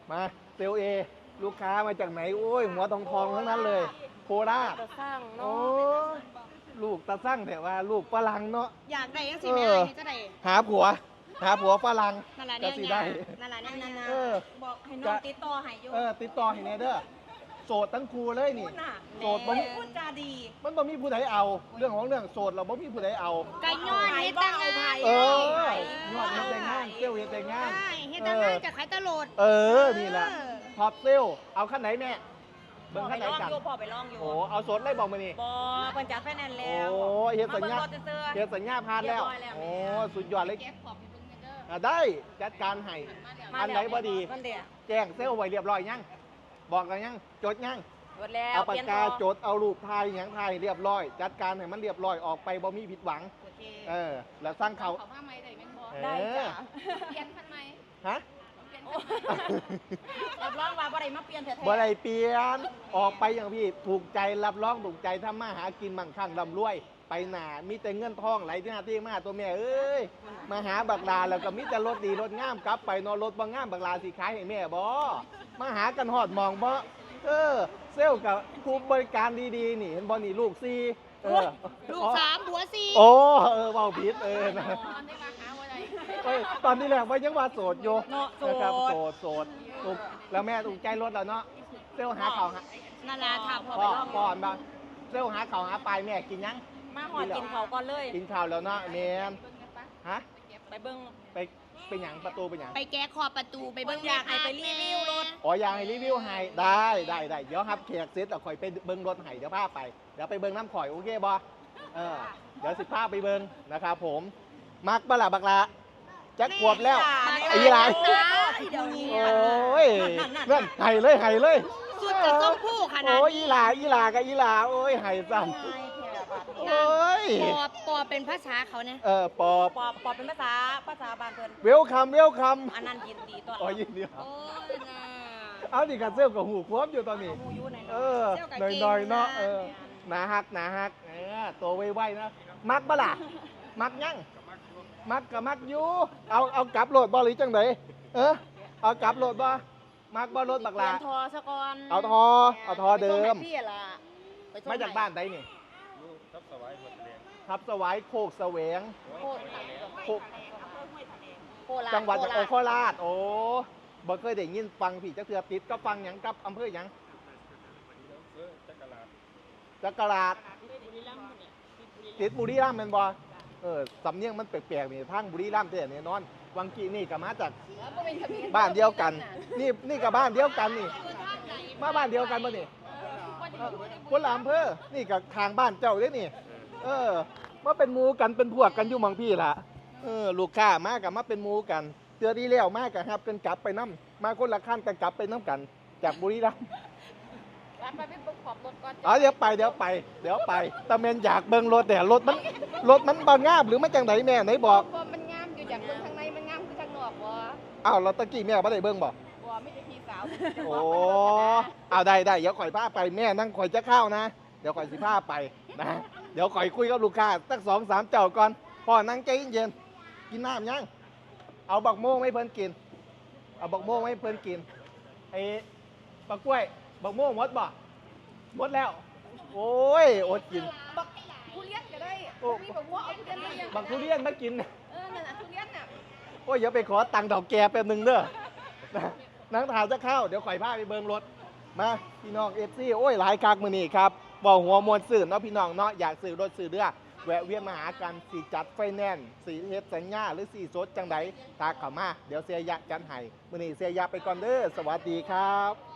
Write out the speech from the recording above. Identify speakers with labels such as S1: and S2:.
S1: มาเซลเอลูกค้ามาจากไหนโอ้ยหัวทองทั้งนั้นเลยโคราช
S2: จะสร้าง
S1: โอ้
S2: เนาะ
S1: ลูกตาสั่งแต่ว่าลูกฝรั่งเนาะ
S2: อยากได้ยังสิแม่ให้จะได้
S1: หาผัวฝรั่ง
S2: นั่นแหละ
S1: ก็
S2: เนี่ย
S1: สิได้
S2: นั่นแหละเนี่ย
S1: เออ
S2: บอกให้น้องติดต่อให้อยู่
S1: ติดต่อให้แน่เด้อโสดทั้งครูเลยนี่
S2: พูดน่ะ
S1: โสดบ่มี
S2: พูดจาดี
S1: มันบ่มีผู้ใดเอา เรื่องของเรื่องโสดเราบ่มีผู้ใดเอา
S2: ไก่ย้อนเฮ็ดแต่งงาน
S1: เออยอดเฮ็ดแต่งงานเซลเฮ็ดแต่งงาน
S2: ใช่เฮ็ดแต่งงานจะขายตลอด
S1: นี่แหละท็อปเซลเอาขั้นไหนแม่เบิ่งขั้นไหนกัน
S2: พอไปลองอยู่
S1: โอ้เอาสดเลยบอกมานี่
S2: บอเพิ่นจัดไฟแนนซ์
S1: โอ้
S2: แล้ว
S1: เฮ็ดสัญญา
S2: มาบิ่งรถเสื้อ
S1: เฮ็ดสัญญาผ่านแล้ว
S2: เรียบร้อยแล้ว
S1: โอ้สุดยอดเลยได้จัดการให้
S2: มา
S1: อันไหนบ่ดี
S2: มันเดียว
S1: แจ้งเซลไว้เรียบร้อยยังบอกกันยังจดยัง
S2: หมดแล้ว
S1: เอาปาก
S2: เปลี่ยน
S1: กา
S2: พอ
S1: จดเอารูปถ่ายหยังถ่ายเรียบร้อย จัดการให้มันเรียบร้อยออกไปบ่มีผิดหวัง
S2: โอเค
S1: แล้วสร้างเขา
S3: ผ้าไหมได้ไหมพอ
S2: ได้จ้ะ
S3: เปลี่ยนพันไหม
S1: ฮะ
S3: เปลี่ยน
S2: โอ้
S3: พันไหม
S2: รับรองว่าบ่ได้มาเปลี่ยนแท้ๆ
S1: บ่ได้เปลี่ยนออกไปอย่างพี่ถูกใจรับรองถูกใจถ้ามาหากินมั่งคั่งร่ำรวย ไปหนามีแต่เงินทองไหลที่หน้าที่มาตัวแม่เอ้ยมาหาบักลาแล้วก็มีแต่รถดีรถงามกลับไปนอนรถบ่งามบักลาสิขายให้แม่บ่มาหากันหอดมองบ่เซลล์กับผู้บริการดีๆนี่เห็นบ่นี่ลูกซี
S2: ลูก3ผัว4
S1: โอ้เว้าผิดนะ
S3: ตอนได้มาหาอะไร
S1: ตอนนี้แหละว่ายังว่าโสดอยู่
S2: เนาะโส
S1: นะครับ
S2: ด
S1: โสดถูกแล้วแม่ถูกใจรถแล้วเนาะเซลล์หาเขาวหา
S2: นั่นล่ะถามพอ
S1: พ่
S2: ไป
S1: อ
S2: ลอง
S1: พ่อมาเซลล์หาเขาวหาปลายแม่กินยัง
S2: มาหอดกินเขาวก่อนเลย
S1: กินข้าวแล้วเนาะแม่นฮะ
S2: ไปเบิ่ง
S1: ไปเป็นหยังประตูเป็นหยัง
S3: ไปแก้ขอบประตูไปเบิ้ง
S2: อยากให้ไปรีวิวรถ
S1: อ๋ออยากให้รีวิวให้ได้เดี๋ยวครับแขกเสร็จแล้วข่อยไปเบิ่งรถให้เดี๋ยวพาไปเดี๋ยวไปเบิ่งน้ำข่อยโอเคบ่เดี๋ยวสิพาไปเบิ่งนะครับผมมักบ่ล่ะบักละจักขวบแล้ว ไอ้หลาย
S2: เดี๋ยวนี้
S1: โอ้ยนั่นไห้เลย
S2: สุดกับส้มผู้ขนาด
S1: โอ้ย
S2: นี้
S1: อีหลากับอีหลาโอ้ยไห้ซ้ำโอ้ย
S2: ปอเป็นภาษาเขาเนี่ย
S1: ปอบ
S2: ปอเป็นภาษาบ้านเพิ่น
S1: เวลคัม
S2: อันนั้นยินดีตัว
S1: อ๋อยินดีครับ
S2: โอ้ยน่ะ
S1: เอาดิกันเซลกับหูควบอยู่ตอนนี้
S2: หูอยู่ไหน
S1: หน่อยๆเนาะหนาฮักตัวไวๆนะมักบ่ล่ะมักยังมักกับมักอยู่เอากลับโหลดบ่หรือจังไดเอากลับโหลดบ่มักบ่รถบัก
S2: เปลี่
S1: ลาย
S2: นทอซะก่อน
S1: เอาทอเดิม
S2: ไปส่งให้พี่ล่ะไปส่ง
S1: มาจากบ้านใดนี่ ทับสวายโคกแสวง
S2: โคตร
S1: โคก
S2: โคราช
S1: จังหวัด
S2: โคราช
S1: โคราชบ่เคยได้ยินฟังพี่จักเทือติดก็ฟังหยังกับอำเภอหยังจักราชติดบุรีรัมย์แม่นบ่สำเนียงมันแปลกๆนี่ทางบุรีรัมย์แท้แน่นอนวังกี้นี่ก็มาจากบ้านเดียวกัน นี่ก็บ้านเดียวกันนี่ มาบ้านเดียวกันบ่นี่คนละอำเภอนี่ก็ทางบ้านเจ้าเด้นี่มาเป็นหมู่กันเป็นพวกกันอยู่หม่องพี่ล่ะลูกค้ามากับมาเป็นหมู่กันเตือดีแล้วมากับครับกันกลับไปนํมาคนละคันกันกลับไปนํกัน จากบุรีรัมย์
S3: ไปเบิ้งขอบรถก่อน
S1: เดี๋ยวไปตะเมนอยากเบิ่งรถแต่รถมันบ่งามหรือมันจังไดแม่ไหนบอก
S3: พอมันงามอยู่จากเบิ้งข้างในมันงามคือข้างนอกบ่
S1: อ้าวเราตะกี้แม่บ่ได้เบิ่งบ่
S3: บ่ไม่ใช่พี่สาว
S1: โอ้เอาได้เดี๋ยวข่อยพาไปแม่นั่งข่อยจะเข้านะเดี๋ยวข่อยสิพาไปนะเดี๋ยวข่อยคุยกับลูกค้าสัก2-3เจ้าก่อนพ่อนั่งใจเย็นๆกินน้ำยังเอาบักโม่งให้เพิ่นกินเอาบักโม่งให้เพิ่นกินไอ้บักกล้วยบักโม่งหมดบ่หมดแล้ว โอ้ยอดกิน
S3: ทุเรียนก็ได้มีแบบว่าเอาทุเรียนมาเลี้ยง
S1: บักทุเรียนมากิน
S3: นั่นน่ะทุเรียนน่ะ
S1: โอ้ยอย่าไปขอตังค์ดอกแกแป๊บหนึงเด้อนั่งทานจะเข้าเดี๋ยวข่อยพาไปเบิ่งรถมาพี่น้องFCโอ้ยหลายคักมื้อนี้ครับบ่หัวมวลซื่อเนาะพี่น้องเนาะอยากซื้อรถซื้อเรือแวะเวียนมาหากันสิจัดไฟแนนซ์สิเฮ็ดสัญญาหรือสิสดจังใดทักเข้ามาเดี๋ยวเสียยะจัดให้มื้อนี้เสียยะไปก่อนเด้อสวัสดีครับ